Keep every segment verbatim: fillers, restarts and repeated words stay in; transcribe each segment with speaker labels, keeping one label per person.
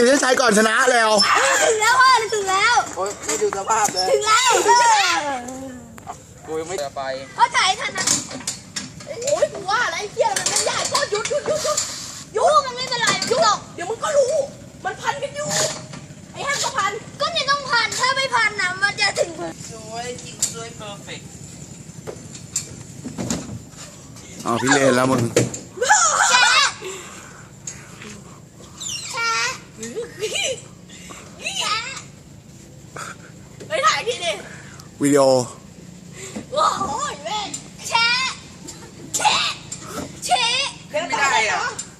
Speaker 1: เส้นชัยก่อนชนะแล้ว
Speaker 2: ถึงแล้วพ่อถึงแล้ว
Speaker 3: โอ้ยไม่ดูสภาพเลย
Speaker 2: ถึงแล้ว
Speaker 3: กูยังไม่ไป
Speaker 2: พ่อจ่ายทันนะโอ้ยกูว่าอะไรเที่ยมันไม่ได้ก็หยุดหยุดหยุดหยุดหยุดมันไม่เป็นไรหยุดหรอกเดี๋ยวมึงก็รู้มันพันกันอยู่ไอ้แฮมก็พันก็เนี่ยต้องพันถ้าไม่พันนะมันจะถึง
Speaker 3: สวยจริงสวยเพอร์เฟกต์
Speaker 1: อ๋อพี่เลนแล้วมึง
Speaker 2: แชะแชะไปถ่ายทีดิ
Speaker 1: วิดีโอ
Speaker 2: โอ้โหเว้ยแชะแชะแชะ
Speaker 3: ไม่ได้อ่ะ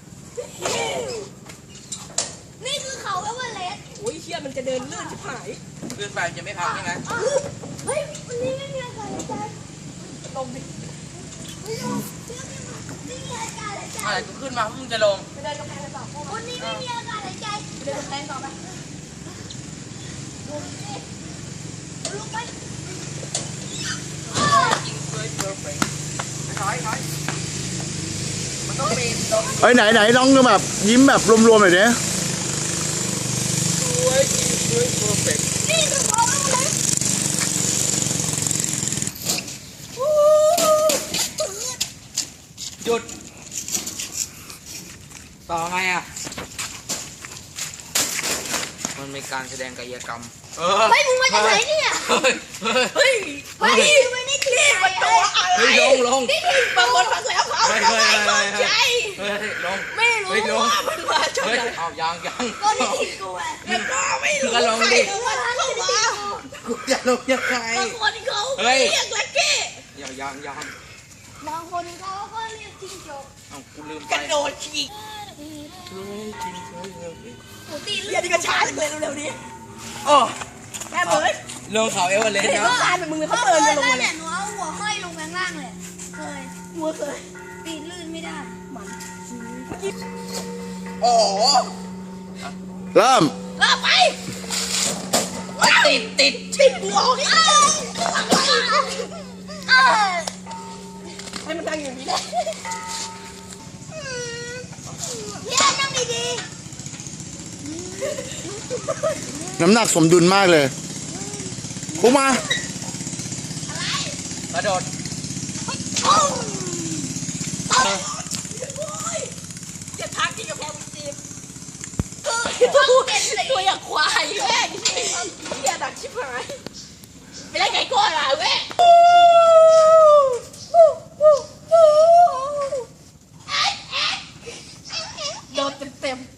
Speaker 2: นี่คือเขาเอเวอเรสต์โอ้ยเชี่ยมันจะเดินเลื่อนชิบหาย
Speaker 3: เลื่อนไปจะไม่พักใช่ไหม
Speaker 2: เฮ้ยวันนี้ไม่มีอากาศหายใจลงดิไม่ลงไม่มีอากาศหายใจ
Speaker 3: อะไรกูขึ้นมาพวกมึงจะลง
Speaker 2: ไปเดินกำแพงต่อวันนี้ไม่มีอากาศหายใจเดินกำแพงต่อไปลงดิลงไป
Speaker 3: จริงสวยเพอร์เฟกต์ถอยถอยมันต้องมีตรง
Speaker 1: เฮ้ยไหนไหนน้องแบบยิ้มแบบรวมๆหน่อยดิ
Speaker 3: สวยจริงสวยเพอร์เฟกต์
Speaker 2: นี่คือเขาเลย
Speaker 3: หยุดต่อไงอ่ะมันมีการแสดงกายกรรม
Speaker 2: เฮ้ยมึงมาจากไหนเนี่ย
Speaker 3: เฮ้ย
Speaker 2: เฮ้ยเฮ้ยไม่ได้คลิปมันตัวอะไร
Speaker 3: เฮ้ยลงลง
Speaker 2: บางคนฟังแล้วเขา
Speaker 3: เฮ้ยเฮ้ยเฮ้ยเฮ้ยเฮ้ยลง
Speaker 2: ไม่รู้ว่ามันมาจากไหน
Speaker 3: เอายังยัง
Speaker 2: ก็นี่ทิ้งกูไงแล้วก็ไม่รู้
Speaker 3: ก็ลงดิ
Speaker 2: ว่าเข้ามา
Speaker 3: กูจะลงยังไง
Speaker 2: บางคนเขาเรียกลักกี้
Speaker 3: ยังยังยัง
Speaker 2: บางคนเขาก็เรียกจิ้งจก
Speaker 3: เอากูลืมไป
Speaker 2: กระโดดฉีกโอ้ตีเลือดนี่ก็ช้าเลยเร็วๆนี้
Speaker 3: โอ้
Speaker 2: แม่เบิร์ด
Speaker 3: ลงเขาเอเวอเรสต์นะ
Speaker 2: การเป็นมึงเขาเดินลงมาเลยหนูเอาหัวห้อยลงข้างล่างเลยเคยหัวเคยปีนลื่นไม่ได้มัน
Speaker 3: โอ้
Speaker 1: เริ่ม
Speaker 2: เริ่มไป
Speaker 3: ติดติด
Speaker 2: ติดหัวนี่ให้มันนั่งอย่างนี้ได้พี่นั่งดี
Speaker 1: ๆน้ำหนักสมดุลมากเลยปุ๊มา
Speaker 3: กระโดด
Speaker 2: จะทักที่กระเพาะมันจีบตัวอย่างควายแม่งเหี้ยดักชิบหายไม่ได้ไก่ก้อนอ่ะแม่โดนเต็มๆ